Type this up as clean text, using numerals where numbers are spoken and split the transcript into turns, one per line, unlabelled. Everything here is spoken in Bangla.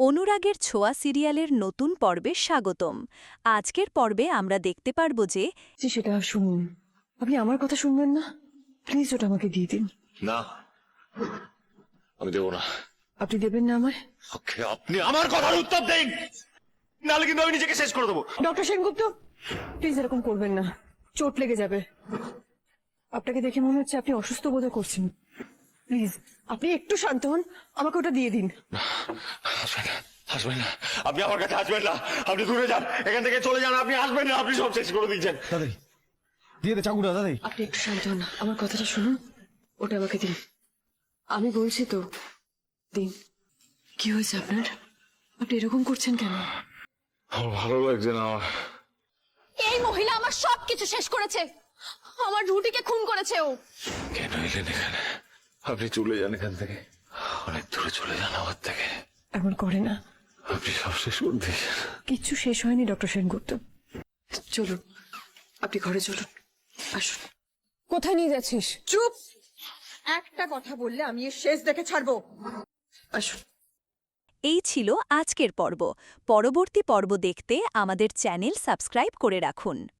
অনুরাগের ছোঁয়া সিরিয়ালের নতুন পর্বে স্বাগতম। আজকের পর্বে আমরা দেখতে পারব যে
সেটা শুনুন, আপনি আমার কথা শুনবেন না? প্লিজ ওটা আমাকে দিয়ে দিন।
না, আমি দেবো না।
আপনি দেবেন না আমায়?
ওকে, আপনি আমার কথার উত্তর দিন, নাহলে কিন্তু আমি নিজেকে শেষ করে দেবো।
ডক্টর সেনগুপ্ত, প্লিজ এরকম করবেন না, চোট লেগে যাবে। আপনাকে দেখে মনে হচ্ছে আপনি অসুস্থ বোধ করছেন। প্লিজ আপনি একটু শান্ত হন, আমাকে ওটা দিয়ে দিন।
আসবেন না, আসবেন না, আপনি আমার কাছে আসবেন না। আপনি দূরে যান, এখান থেকে চলে যান। আপনি আসবেন না, আপনি সব শেষ করে দিচ্ছেন।
দাদাই দিয়ে দে চাকুটা দাদাই।
আপনি একটু শান্ত হন, আমার কথাটা শুনুন, ওটা আমাকে দিন। আমি বলছি তো, দিন। কি হয়েছে আপনার? আপনি এরকম করছেন কেন?
আমার ভালো লাগছে না। আমার
এই মহিলা আমার সবকিছু শেষ করেছে, আমার রুটিকে খুন করেছে ও।
কেন এলেন এখানে? আপনি চলে যান এখান থেকে, অনেক দূরে চলে যান আমার থেকে।
এমন করে না,
আপনি সব শেষ করে দিয়েছেন।
কিচ্ছু শেষ হয়নি ডক্টর সেনগুপ্ত। চলুন, আপনি ঘরে চলুন, আসুন। কোথায় নিয়ে যাচ্ছিস?
চুপ! একটা কথা বললে আমি এর শেষ দেখে ছাড়বো।
আসুন।
এই ছিল আজকের পর্ব। পরবর্তী পর্ব দেখতে আমাদের চ্যানেল সাবস্ক্রাইব করে রাখুন।